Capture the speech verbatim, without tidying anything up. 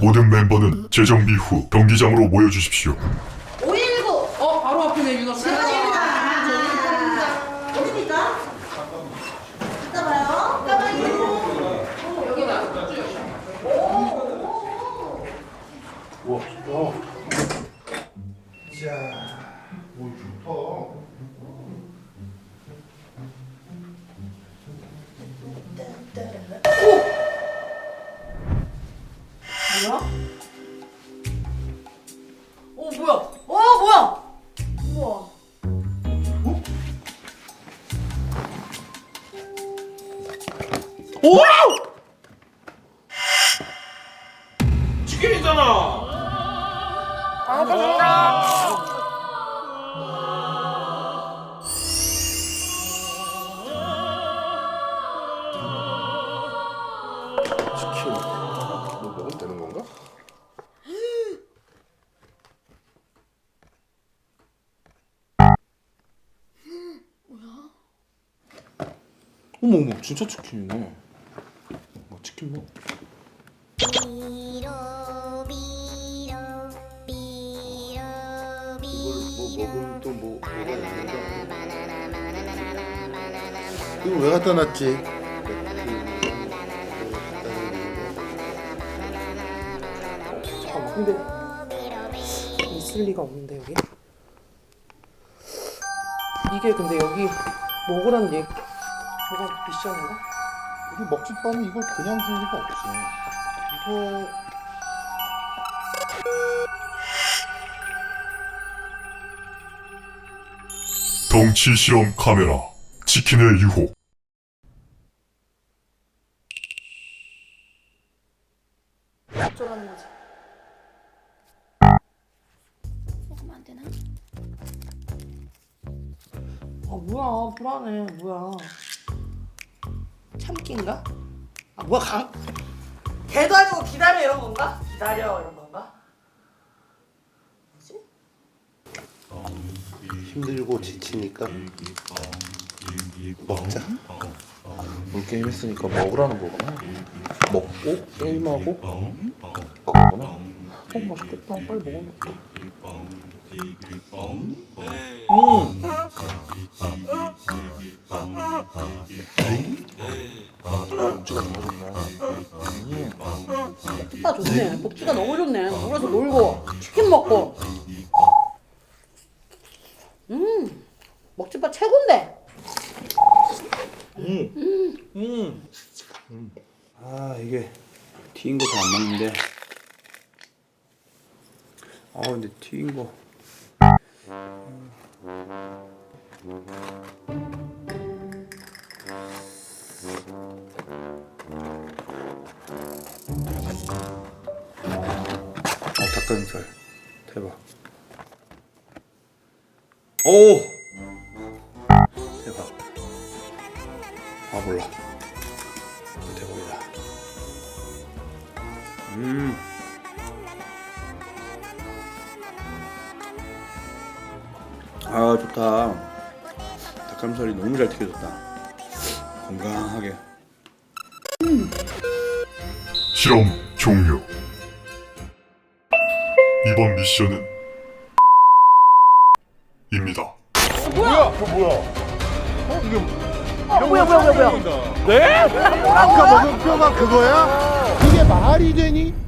모든 멤버는 재정비 후 경기장으로 모여주십시오. 오일구. 어, 바로 앞이네, 윤아 씨. 잠깐만입니다. 어디입니까? 이따 봐요. 잠깐만요. 여기다. 우와, 와. 자, 오, 좋다. 뭐야? 어, 뭐야? 어, 뭐야? 우와. 오! 치킨이잖아. 치킨. 뭐 먹으면 되는 건가? 어머 어머 진짜 치킨이네. 뭐 치킨 뭐? 이걸 뭐 먹으면 또뭐 이거 왜 갖다 놨지? 아, 근데 있을 리가 없는데 여기? 이게 근데 여기 먹으란 얘기 뭐가 미션인가? 우리 먹집 밤에 이걸 그냥 줄 리가 없지. 이거 덩치 실험 카메라 치킨의 유혹. 어쩌라는 거지? 먹으면 안 되나? 아 뭐야 불안해 뭐야 참기인가? 아 뭐야 강 개도 아니고 기다려 이런 건가? 기다려 이런 건가? 뭐지? 힘들고 지치니까 먹자. 물 게임 했으니까 먹으라는 거구나. 먹고 게임하고 그거구나. 어 맛있겠다. 빨리 먹어볼게. 음. 복주가 너무 좋네. 복주가 좋네. 복주가 너무 좋네. 놀아서 놀고 치킨 먹고. 음 먹집밥 최고인데. 음. 음. 음. 아 이게 튀긴 거 잘 안 먹는데. 아 근데 튀긴 거. 어 닭가슴살 대박. 오 대박. 아 몰라. 대박이다. 음. 아 좋다. 닭가슴살이 너무 잘 튀겨졌다. 건강하게. 실험 종료. 이번 미션은 입니다. 뭐야? 저 뭐야? 어 이게 어 뭐야 뭐야 뭐야 뭐야. 네? 아까 먹은 뼈가 그거야? 이게 말이 되니?